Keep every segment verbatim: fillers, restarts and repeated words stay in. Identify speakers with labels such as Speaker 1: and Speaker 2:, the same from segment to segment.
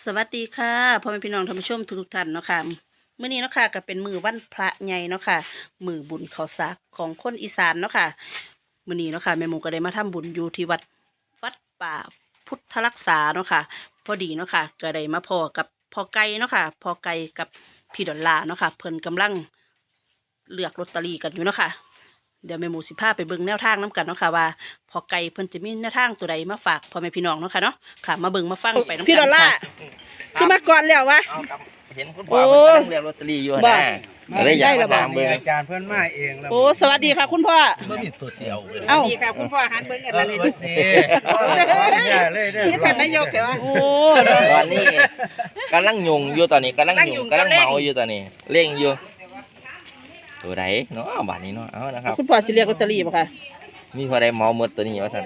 Speaker 1: สวัสดีค่ะพ่อแม่พี่น้องท่านผู้ชมทุกท่านเนาะค่ะมื้อนี้เนาะค่ะก็เป็นมื้อวันพระใหญ่เนาะค่ะมื้อบุญข้าวสากของคนอีสานเนาะค่ะมื้อนี้เนาะค่ะแม่หมูก็ได้มาทำบุญอยู่ที่วัดวัดป่าพุทธรักษาเนาะค่ะพอดีเนาะค่ะก็ได้มาพอกับพ่อไก่เนาะค่ะพ่อไก่กับพี่ดอลลาร์เนาะค่ะเพิ่นกำลังเลือกลอตเตอรี่กันอยู่เนาะค่ะเดี๋ยวแม่หมูสิพาไปเบิ่งแนวทางน้กันเนาะค่ะว่าพ่อไก่เพิ่นจะมีแนวทางตัวใดมาฝากพ่อแม่พี่น้องเนาะค่ะเนาะค่ะมาเบิ่งมาฟังไปน้ำกันพี่ดอลลาร์คือมาก่อนแล้ววะ
Speaker 2: เห็นคุณพ่อเพิ่นกำลังเรียกลอตเตอรี่อยู่นะก็เลยอยากมาถามเบิ่ง
Speaker 3: อาจารย์เพื่อนมาเองแล้ว
Speaker 1: โอ้สวัสดีค่ะคุณพ่อ
Speaker 2: บ่มีตัวเดียว
Speaker 1: เอ้า
Speaker 4: ดีค่ะคุณพ่อหันเบิ้งกันมาเลย
Speaker 3: เลยเด้อ
Speaker 4: นี่ท่านนายกเหรอ
Speaker 1: โอ้
Speaker 2: ตอนนี้กำลังยุงอยู่ตอนนี้กำลังยุงกำลังเมาอยู่ตอนนี้เร่งอยู่ตัวใดเนาะบาดนี้เนาะเอานะครับ
Speaker 1: คุณพ่อสิเรียกลอตเตอรี่ป่ะคะ
Speaker 2: มีพอได้เมาหมดตัวนี้ว่าซั่น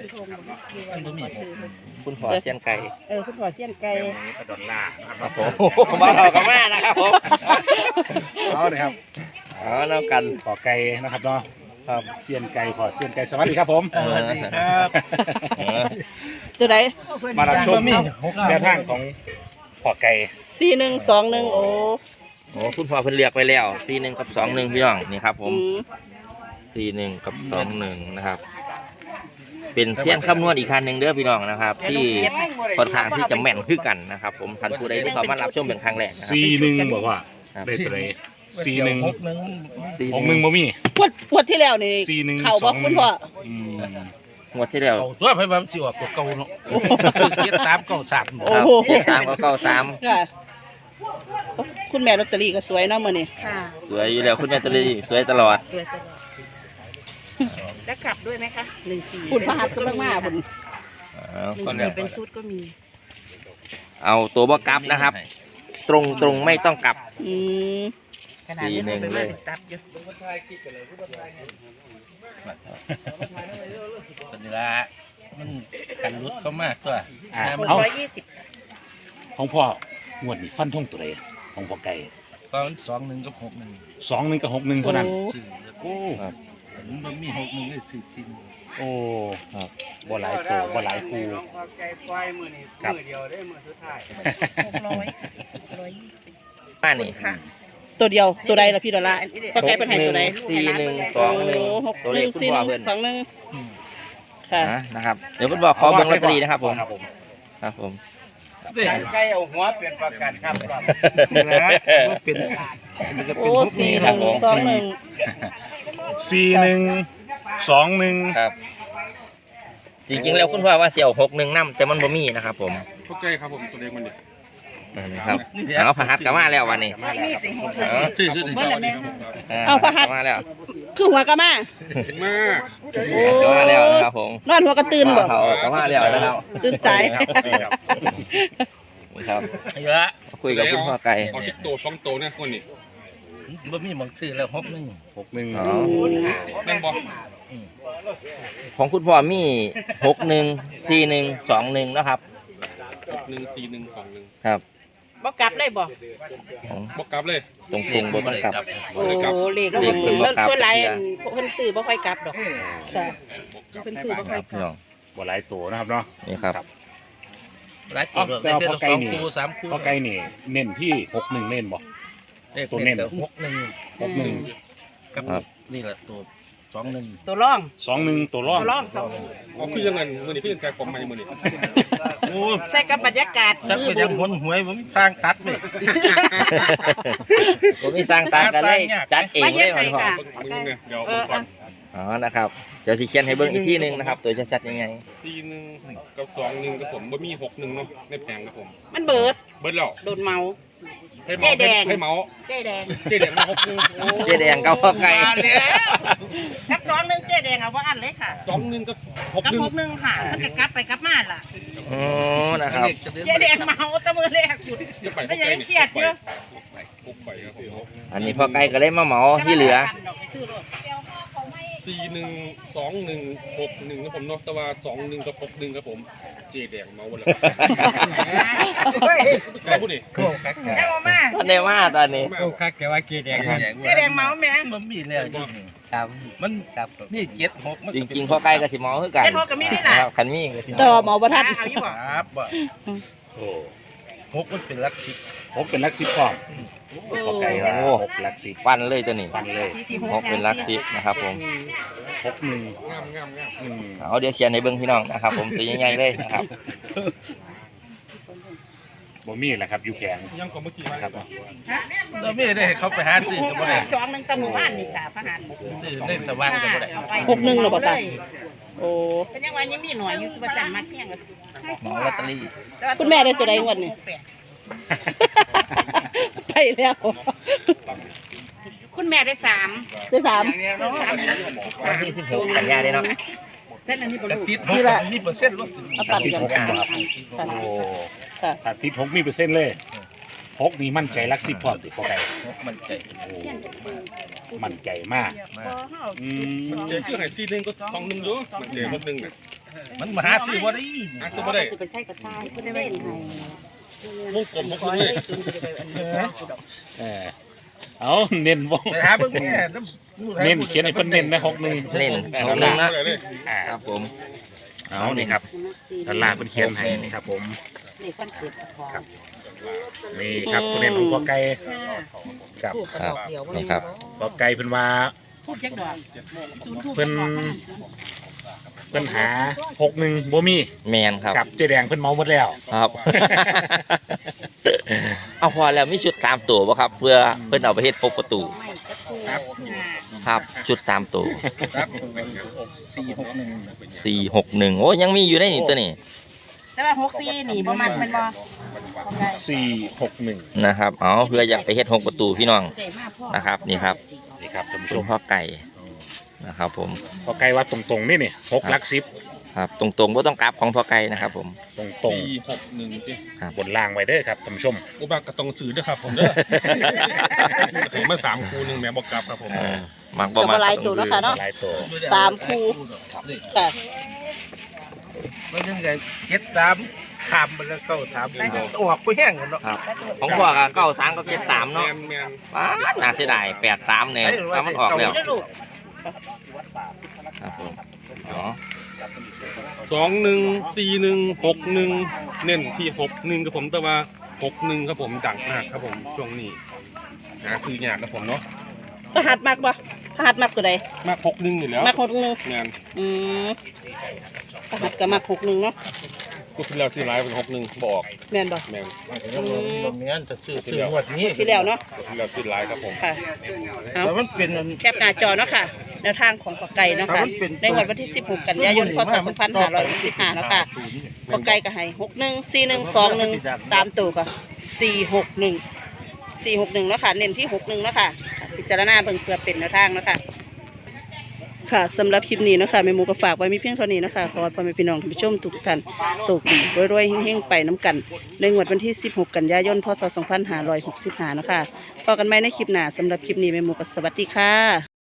Speaker 2: คุณพ่อเสียนไก่
Speaker 4: เออคุณพ่อเสี้ยนไก่
Speaker 3: ดอลลาร์
Speaker 2: ครับผมบ่เราก็มานะครับผม
Speaker 3: เอาเลยครับ
Speaker 2: เอาเนาะกัน
Speaker 3: ขอไก่นะครับเนาะ
Speaker 2: ครับ
Speaker 3: เซียนไก่ขอเซียนไก่สวัสดีครับผม
Speaker 2: สวัสดีครับ
Speaker 1: ตัวไหน
Speaker 3: มารับชมแนวทางของขอไก่
Speaker 1: สี่หนึ่งสองหนึ่งโอ้
Speaker 2: โอ้คุณพ่อเพิ่นเรียกไปแล้วสี่หนึ่งกับสองหนึ่งพี่น้องนี่ครับผม
Speaker 1: อืม
Speaker 2: สี่หนึ่งกับสองหนึ่งนะครับ เป็นเสี้ยนคำนวณอีกคันหนึ่งเด้อพี่น้องนะครับ ที่ค่อนข้างที่จะแม่นคือกันนะครับผมท่านผู้ใดที่เขามารับชมเป็นครั้งแรกนะครับ
Speaker 3: ซีหนึ่งบอกว่าได้ตัวไหนซีหนึ่ง
Speaker 2: สี่
Speaker 3: หกหนึ่งบ่มี
Speaker 1: ปวดปวดที่แล้วนี่
Speaker 3: สี่หนึ่ง
Speaker 1: เข่า
Speaker 3: ส
Speaker 1: บ
Speaker 3: อ
Speaker 1: อก
Speaker 3: งห
Speaker 1: คุ
Speaker 3: นึ่
Speaker 1: ณ
Speaker 3: ง
Speaker 1: พ่อ
Speaker 3: อืม
Speaker 2: งวดที่แล้ว
Speaker 5: ตัวไปแบบสิออกตัวเก่าเนาะเกียรติสามเก้าสาม
Speaker 1: โอ้
Speaker 2: ครับ
Speaker 1: โห
Speaker 2: สามกับเก้าสาม
Speaker 1: ค่ะคุณแม่ลอตเตอรี่ก็สวยเนาะมื้อนี้
Speaker 4: ค่ะ
Speaker 2: สวยอยู่แล้วคุณแม่ตลีสวยตลอด
Speaker 4: สวยตลอดแล้วกลับด้วยไหมคะหนึ่งสี่
Speaker 1: คุณพระหัตถ์ก็มากมาบุญ
Speaker 2: เอา
Speaker 4: หนึ่ง
Speaker 2: ก็
Speaker 4: สี่
Speaker 2: แล้ว
Speaker 4: เป็นชุดก็มี
Speaker 2: เอาตัวบกลับนะครับ ตรงตรงไม่ต้องกลับ
Speaker 1: อืม
Speaker 4: ขนาดนี้
Speaker 2: สี่หนึ่ง
Speaker 4: เป็น
Speaker 2: เล
Speaker 4: มาย เป็นตับอยู่
Speaker 5: ตัวนี้ละมันกันรุดก็มากตัว
Speaker 3: อ่า
Speaker 4: คน
Speaker 3: เอา
Speaker 4: ร้อยยี่สิบ
Speaker 3: ของพ่องวดนี้ฟันทงตัวไหนของพ่อไก่
Speaker 5: ตอนสองหนึ่งกับหกหนึ่ง
Speaker 3: สองหนึ่งกับหกหนึ่งเท่านั้น
Speaker 5: สื่อ
Speaker 3: โอ้
Speaker 5: มันมีหกหนึ่งเลยสื่อชิ้น
Speaker 3: โอ้ครับบ่หลายตัวบ่หลายคูครับ
Speaker 4: หกร้อยร้อยยี่สิบ
Speaker 2: มานี่
Speaker 4: ค่ะ
Speaker 1: ตัวเดียวตัวใดล่ะพี่ดอลลาร์พ่อไก่เป็นไห้ตัวใด
Speaker 2: สี่หนึ่งส
Speaker 1: โอ้
Speaker 2: องหนึ่ง
Speaker 1: หก
Speaker 2: ตัว
Speaker 1: ห
Speaker 2: เล
Speaker 1: นึ่
Speaker 2: ข
Speaker 1: ง
Speaker 2: คุณ
Speaker 1: สี่
Speaker 2: พ่
Speaker 1: ห
Speaker 2: อ
Speaker 1: นึ่ง
Speaker 2: เพิ่น
Speaker 1: สองหนึ่งค่ะ
Speaker 2: นะนะครับเดี๋ยวคุณบอกขอเบิ่งลอตเตอรี่นะครับผม
Speaker 3: ครับผม
Speaker 2: ครับผม
Speaker 5: ใกล้เอาหัวเปลี่ยนประกันครับนะเป็น
Speaker 1: โอ้สี่หนึ่งสองหนึ่ง
Speaker 3: สี่หนึ่งสองหนึ่ง
Speaker 2: ครับ จริงๆแล้วคุณพ่อว่าเสี่ยวหกหนึ่งน้ำแต่มันบ่มีนะครับผม
Speaker 6: โอเคครับผมตัวเล็กมันดิ
Speaker 2: นะครับเอาพระหัตถ์กลับมาแล้ววันนี้
Speaker 4: มีสิหก
Speaker 2: เอา
Speaker 5: ชื่อชื่อ
Speaker 4: เบิ้ลละแม่
Speaker 1: เอาพระหัตถ์
Speaker 2: กลับมาแล้ว
Speaker 1: คือหัวกะมา
Speaker 6: มา
Speaker 1: โอ้
Speaker 2: กลับมาแล้วนะครับผม
Speaker 1: นอนหัวกระตื่นบ่
Speaker 2: เขากลับมาแล้วนะครับ
Speaker 1: ตื่นสาย
Speaker 2: นี่ครับ
Speaker 5: เยอะ
Speaker 2: คุยกับคุณพ่อไก่
Speaker 6: เอาติ๊กโตสองโตเนี่ยคนนี่
Speaker 5: บ่มีมองชื่อแล้วหกหนึ่ง
Speaker 3: หกหนึ่ง
Speaker 2: อ๋อ
Speaker 6: นั่นบอก
Speaker 2: ของคุณพ่อมีหกหนึ่งสี่หนึ่งสองหนึ่งนะครับ
Speaker 6: หนึ่งสี่หนึ่งสองหนึ่ง
Speaker 2: ครับ
Speaker 4: บ่กลับได้บ่
Speaker 2: ของ
Speaker 6: บอกกลับเลย
Speaker 2: ตรงตรงๆบนต้องกลับ
Speaker 4: โอ้เลข
Speaker 2: เลขเพิ่นบ่กลับ
Speaker 4: ส่วนหลายเพิ่นซื้อบ่ค่อยกลับดอกค่ะ
Speaker 6: บอกกลับ
Speaker 4: เพิ่นซื้อบ่
Speaker 2: ค
Speaker 4: ค่อ
Speaker 2: รั
Speaker 4: ย
Speaker 2: บ
Speaker 4: ก
Speaker 2: พี่
Speaker 4: ลั
Speaker 2: น้
Speaker 4: บ
Speaker 2: อง
Speaker 3: บ่หลายตัวนะครับเนาะ
Speaker 2: นี่ครับ
Speaker 5: หลายตัวได้เท่าสองคู่สามคู่
Speaker 3: พ่อไก่นี่เน้นที่หกหนึ่งเน้นบ่ ตัวเน้น
Speaker 5: หกหนึ่ง
Speaker 3: หกหนึ่ง
Speaker 5: กับนี่แหละตัวสองหนึ่ง
Speaker 4: ตัวร่อง
Speaker 3: สองหนึ่งตัวร่อง
Speaker 4: ตัวร่องสอง
Speaker 6: เอาคือยังไงมือนี่คือยังแกของใหม่มือนี่
Speaker 5: โอ้
Speaker 4: ใส่กับบรรยากาศ
Speaker 5: ถ้า
Speaker 4: มื
Speaker 5: ไป
Speaker 4: อบุ
Speaker 5: ยัง
Speaker 4: ญ
Speaker 5: หนหวยผมสร้างตัดเลย
Speaker 2: ผมมีสร้างตามกันเลยจัดเอง
Speaker 4: มา
Speaker 2: เล
Speaker 4: เย็
Speaker 2: ย
Speaker 4: น
Speaker 2: มั
Speaker 4: ไป
Speaker 2: นพ่อ
Speaker 4: ค่ะ
Speaker 6: มึงเนี่ยเดี๋ยว
Speaker 4: เออ
Speaker 6: ก่อน
Speaker 2: อ๋อนะครับเดี๋ยวสิเขียนให้เบิ่งอีกที่หนึงนะครับ ตัวชัดๆยังไง
Speaker 6: สี่หนึ่งกับสองหนึ่งกับผมบ่มีหกหนึ่งเนาะในแผงครับผม
Speaker 4: มันเบิด
Speaker 6: เบิร์ดแล้ว
Speaker 4: โดนเมา
Speaker 6: ให้เมา
Speaker 4: เจ๊แดง
Speaker 6: ให้เมา
Speaker 4: เจ๊แดง
Speaker 6: เจ๊แดงมาหกหนึ่ง
Speaker 2: เจ๊แดงกับพ่อไก่
Speaker 4: กับสองหนึ่งเจ๊แดงเอาว่าอันเลยค่ะ
Speaker 6: สองหนึ่งกับหก
Speaker 4: กับ
Speaker 6: หนึ่ง
Speaker 4: หกหนึ่งค่ะมันจะกลับไปกลับมาล่ะ
Speaker 2: อ๋อนะครับ
Speaker 4: เจ๊แดงเมาตะมือแรกคุณ
Speaker 6: จะไป
Speaker 4: ไม่ใช่เครียดเยอะ
Speaker 6: หกไปครับผม
Speaker 2: อันนี้พ่อไก่ก็เลยมาเหมาที่เหลือ
Speaker 6: สี่หนึ่งสองหนึ่งหกหนึ่งครับผมเนาะแต่ว่าสองหนึ่งกับหกหนึ่งครับผมเจ๊แดงเมาวันละใครพูดนี่
Speaker 4: ได้มามา
Speaker 2: ท่านได้มาตอนนี้
Speaker 5: โอ้คักแกว่าเกแดง
Speaker 4: เจ๊แดงเมาแม่
Speaker 5: มันมีแล้วจริงครับมันครับมีเจ็ดหกมัน
Speaker 2: จริงๆพ่อไก่ก็สิเหมาคือกัน
Speaker 4: เจ๊พอกับมีได้ล่ะ
Speaker 2: ครับคันมีก็สิ
Speaker 1: ต่อหมอประทัด
Speaker 4: เอาอยู่บ่
Speaker 5: ครับบ่
Speaker 3: โอ้
Speaker 5: หกมันเป็นหลักสิบ
Speaker 3: หกเป็นหลักสิบพร้อมพอไก่ว่าหกหลักสิบ
Speaker 2: ฟันเลยตัวนี้
Speaker 3: ฟันเลย
Speaker 2: หกเป็นหลักสิบนะครับผม
Speaker 3: หกหนึ่ง
Speaker 6: งามงามงาม
Speaker 3: อืม
Speaker 2: เอาเดี๋ยวเขียนในเบิ้งพี่น้องนะครับ ผมตัวใหญ่ๆเลยนะครับ
Speaker 3: บ่มีแหละครับอยู่แผง
Speaker 6: ยังกว่าเมื่อกี้มา
Speaker 3: ครับ
Speaker 5: เราไม่ได้ให้เขาไปหาซื้อก็บ่ได้
Speaker 4: สองหนึ่งตะหมู่บ้านนี่ค่ะพระหัน
Speaker 5: ซื้อได้สว่างก็บ่ได้
Speaker 1: หกหนึ่งเหรอบ่ตาโอ้
Speaker 4: เป็นยังไงยังมีหน่อยอยู่ประจันมาเที่ยง
Speaker 2: หมองลอตเตอรี่
Speaker 1: คุณแม่ได้ตัวใดงวดนี่ ไปแล้ว
Speaker 4: คุณแม่ได้สาม
Speaker 1: ได้สาม
Speaker 4: สาม
Speaker 2: วันที่สิบหกกันยาได้เนาะ
Speaker 4: เส้นอันนี้บ
Speaker 5: แล้ว
Speaker 4: ลู
Speaker 5: ติดหกมีเปอร์เซ็นต์ลด
Speaker 1: เอาปั่น
Speaker 3: ติด
Speaker 1: กัน
Speaker 3: หก
Speaker 1: ค่ะ
Speaker 3: ครับ
Speaker 1: ค่ะ
Speaker 3: โอ้
Speaker 1: ค่ะ
Speaker 3: ถ้าติดหกมีเปอร์เซ็นต์เลยหกนี่มั่นใจหลักสิบพร้อมติพอไก่
Speaker 5: มันใจ
Speaker 3: โอ้มั่นใจมากอืม
Speaker 6: เจอคือไหนซีหนึ่งก็สองหนึ่งอยู่มันเจอหกหนึ่งเนี่ย
Speaker 5: มันมาหาซื้อบ่ได้
Speaker 6: อ่ะสมมติได้
Speaker 4: จะไปใส่กระต่ายก็ได้ไม่ไง
Speaker 6: วงกลมหกหนึ่งเลย
Speaker 3: เออเอาเน้นบ่
Speaker 5: ไปหาเบิ่งแม่น้ำ
Speaker 3: เน้นเขียนให้เพิ่นเน้นนะหกหนึ่ง
Speaker 2: เน้น
Speaker 3: แปด
Speaker 2: ห
Speaker 3: ดอก ล
Speaker 2: หนึ่
Speaker 3: ลาง ร์
Speaker 2: นะ
Speaker 6: เลยเลย
Speaker 3: อ่า
Speaker 2: ครับผม
Speaker 3: เอานี่ครับดอลลาร์เพิ่นเขียนให้นี่ครับผม
Speaker 4: นี่คนเกิดของ
Speaker 3: ครับนี่ครับตัวเน้นของพ่อไก่ครับ
Speaker 2: ครับนี่ครับ
Speaker 3: พ่อไก่เพิ่นว่า
Speaker 4: พูดจักดอก
Speaker 3: เพิ่นเพิ่นหาหกหนึ่งบ่มี
Speaker 2: แมนครับ
Speaker 3: กับเจ๊แดงเพิ่นเมาหมดแล้ว
Speaker 2: ครับ เอาพอแล้วมีชุดสามตัวป่ะครับ เพื่อเพื่อนเอาไปเฮ็ดพกประตู
Speaker 3: ครับ
Speaker 2: ครับ ชุดสามตัว
Speaker 5: ครับสี่หกหนึ่ง
Speaker 2: สี่หกหนึ่งโอ้ยังมีอยู่ในนี่ตัวนี้
Speaker 4: แต่ว่าหกสี่นี่ประมาณเป็นบ่
Speaker 3: สี่หกหนึ่ง
Speaker 2: นะครับ เอาเพื่ออยากไปเฮ็ดหกประตูพี่น้อง นะครับนี่ครับ
Speaker 3: นี่ครับท่านผู้ช
Speaker 2: ชุด
Speaker 3: ม
Speaker 2: พ่อไก่นะครับ ผม
Speaker 3: พ่อไก่ว่าตรงๆนี่นี่หกหลักสิบ
Speaker 2: ครับ ตรงๆว่าต้องกราบของพ่อไก่นะครับ ผม
Speaker 3: ตรง
Speaker 6: สี่หกหนึ่งดิ
Speaker 3: ๆบนล่างไว้เด้อครับท่านผู้ชม
Speaker 6: อุบากกระตองสื่อด้วยครับผมเด้อเห็นมาสามคูหนึ่งแม่บอกกลับครับผม
Speaker 2: เออมักบ่
Speaker 1: กับ
Speaker 2: มัก
Speaker 1: หลายตัวเนาะค่ะเนาะ
Speaker 3: หลายตัว
Speaker 1: สามคู่ค่ะ
Speaker 5: มันยังไงเจ็ดสามขามมันแล้วเก้าสามออกไปแห้งกันเนาะ
Speaker 2: ครับ ของพ่อก็เก้าสามก็เจ็ดสาม
Speaker 6: แม
Speaker 2: เนาะ
Speaker 6: นแมน
Speaker 2: ว้าน่าเสียดายแปดสามเนี่ยถ้ามันออกแล้วครับผมอ๋อ
Speaker 6: สองหนึ่งสี่หนึ่งหกหนึ่งเน้นที่หกหนึ่งครับผมแต่ว่าหกหนึ่งครับผมดังมากครับผมช่วงนี้หาซื้อยากครับผมเนาะ
Speaker 1: รหัสมักบ่รหัสมักตัวใด
Speaker 6: มากหกหนึ่งอยู่แล้ว
Speaker 1: มักหกหนึ่ง
Speaker 6: แมน
Speaker 1: อืมรหัสก็มักหกหนึ่งเนาะ
Speaker 6: กูที่แล้วซื้อไลน์เป็นหกหนึ่งบอก
Speaker 1: แม่นบ่
Speaker 6: แมน
Speaker 5: ตรงนี้จะซื้อซื้องวดนี้
Speaker 1: ที่แล้วเนาะ
Speaker 6: กูที่แล้วซื้อไลน์ครับผม
Speaker 1: ค่ะเอา
Speaker 5: แต่มันเป็น
Speaker 1: แคปหน้าจอเนาะค่ะแนวทางของปอไก่เนาะค่ะในงวดวันที่สิบหกกันยายนพศสองพันห้าร้อยหกสิบห้าเนาะค่ะปอไก่ก็ให้หกหนึ่งสี่หนึ่งสองหนึ่งสามตัวก็สี่หกหนึ่งสี่หกหนึ่งเนาะค่ะเน้นที่หกหนึ่งเนาะค่ะพิจารณาเบิ่งเพื่อเป็นแนวทางเนาะค่ะค่ะสำหรับคลิปนี้เนาะค่ะแม่หมูก็ฝากไว้มีเพียงเท่านี้เนาะค่ะขอให้พ่อแม่พี่น้องท่านผู้ชมทุกท่านโชคดีรวยๆเฮงๆไปน้ำกันในงวดวันที่สิบหกกันยายนพศสองพันห้าร้อยหกสิบห้าเนาะค่ะพบกันใหม่ในคลิปหน้าสำหรับคลิปนี้แม่หมูก็สวัสดีค่ะ